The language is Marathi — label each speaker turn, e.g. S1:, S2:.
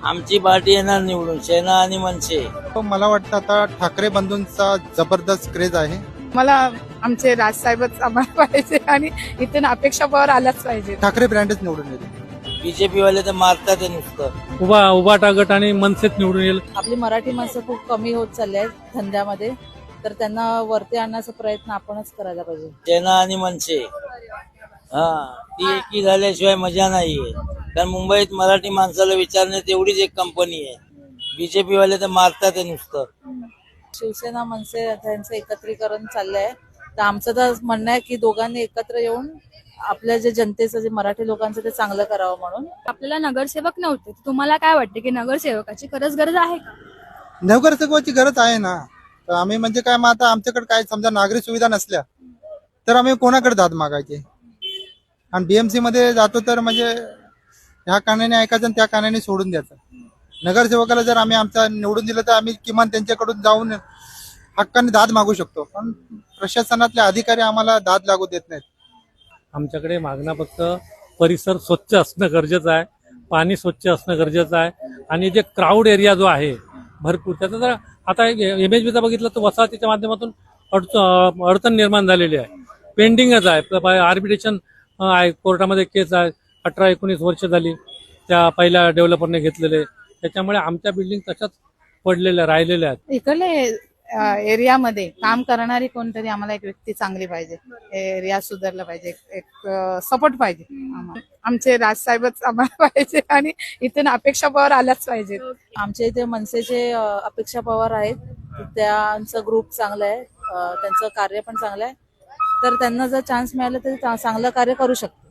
S1: आमची पार्टी येणार निवडून, सेना आणि मनसे.
S2: मला वाटतं आता ठाकरे बंधूंचा जबरदस्त क्रेज आहे.
S3: मला आमचे राजसाहेबच आम्हाला पाहिजे आणि इथून अपेक्षा पॉवर आलाच पाहिजे.
S2: ठाकरे ब्रँडच निवडून येईल.
S1: बीजेपी वाले तर मारतात आहे नुसतं.
S4: उभाटा गट आणि मनसेत निवडून येईल.
S5: आपली मराठी माणसं खूप कमी होत चालली आहेत धंद्यामध्ये, तर त्यांना वरती आणण्याचा प्रयत्न आपणच करायला पाहिजे.
S1: सेना आणि मनसे, ती एकी झाल्याशिवाय मजा नाहीये. कारण मुंबईत मराठी माणसाला विचारण्यात एवढीच एक कंपनी आहे. बीजेपी वाले तर मारतात आहे नुसतं.
S5: शिवसेना मनसे यांचं एकत्रीकरण चाललंय, तर आमचं तर म्हणणं आहे की दोघांनी एकत्र येऊन आपल्या जे जनतेचं, जे मराठी लोकांचं ते चांगलं करावं म्हणून.
S6: आपल्याला नगरसेवक नव्हते, तुम्हाला काय वाटते की नगरसेवकाची खरंच गरज आहे का?
S2: नगरसेवकाची गरज आहे ना. तर आम्ही म्हणजे काय, मग आता आमच्याकडे काय समजा नागरी सुविधा नसल्या तर आम्ही कोणाकडे दाद मागायचे. आणि बीएमसी मध्ये जातो तर म्हणजे ह्या कानाने ऐकायचं आणि त्या कानाने सोडून द्यायचं. नगरसेवकाला जर आम्ही आमचा निवडून दिलं तर आम्ही किमान त्यांच्याकडून जाऊन हक्काने दाद मागू शकतो. पण प्रशासनातले अधिकारी आम्हाला दाद लागू देत नाहीत.
S4: आमच्याकडे मागणं फक्त परिसर स्वच्छ असणं गरजेचं आहे, पाणी स्वच्छ असणं गरजेचं आहे, आणि जे क्राऊड एरिया जो आहे भरपूर, त्याचा जर आता MHBचा बघितलं तर वसाहतीच्या माध्यमातून अडचण निर्माण झालेली आहे, पेंडिंगच आहे. आर्बिट्रेशन आहे, कोर्टामध्ये केस आहे, 18-19 वर्ष झाली त्या पहिल्या डेव्हलपरने घेतलेले. त्याच्यामुळे आमच्या बिल्डिंग तशाच पडलेल्या राहिलेल्या आहेत.
S3: इकडले एरियामध्ये काम करणारी कोणतरी आम्हाला एक व्यक्ती चांगली पाहिजे. एरिया सुधारला पाहिजे, एक सपोर्ट पाहिजे आम्हाला. आमचे राजसाहेबच आम्हाला पाहिजे आणि इथून अपेक्षा पॉवर आलाच पाहिजे.
S5: आमच्या इथे मनसेचे अपेक्षा पवार आहेत, त्यांचं ग्रुप चांगलं आहे, त्यांचं कार्य पण चांगलं आहे, तर त्यांना जर चान्स मिळाला तर चांगलं कार्य करू शकतात.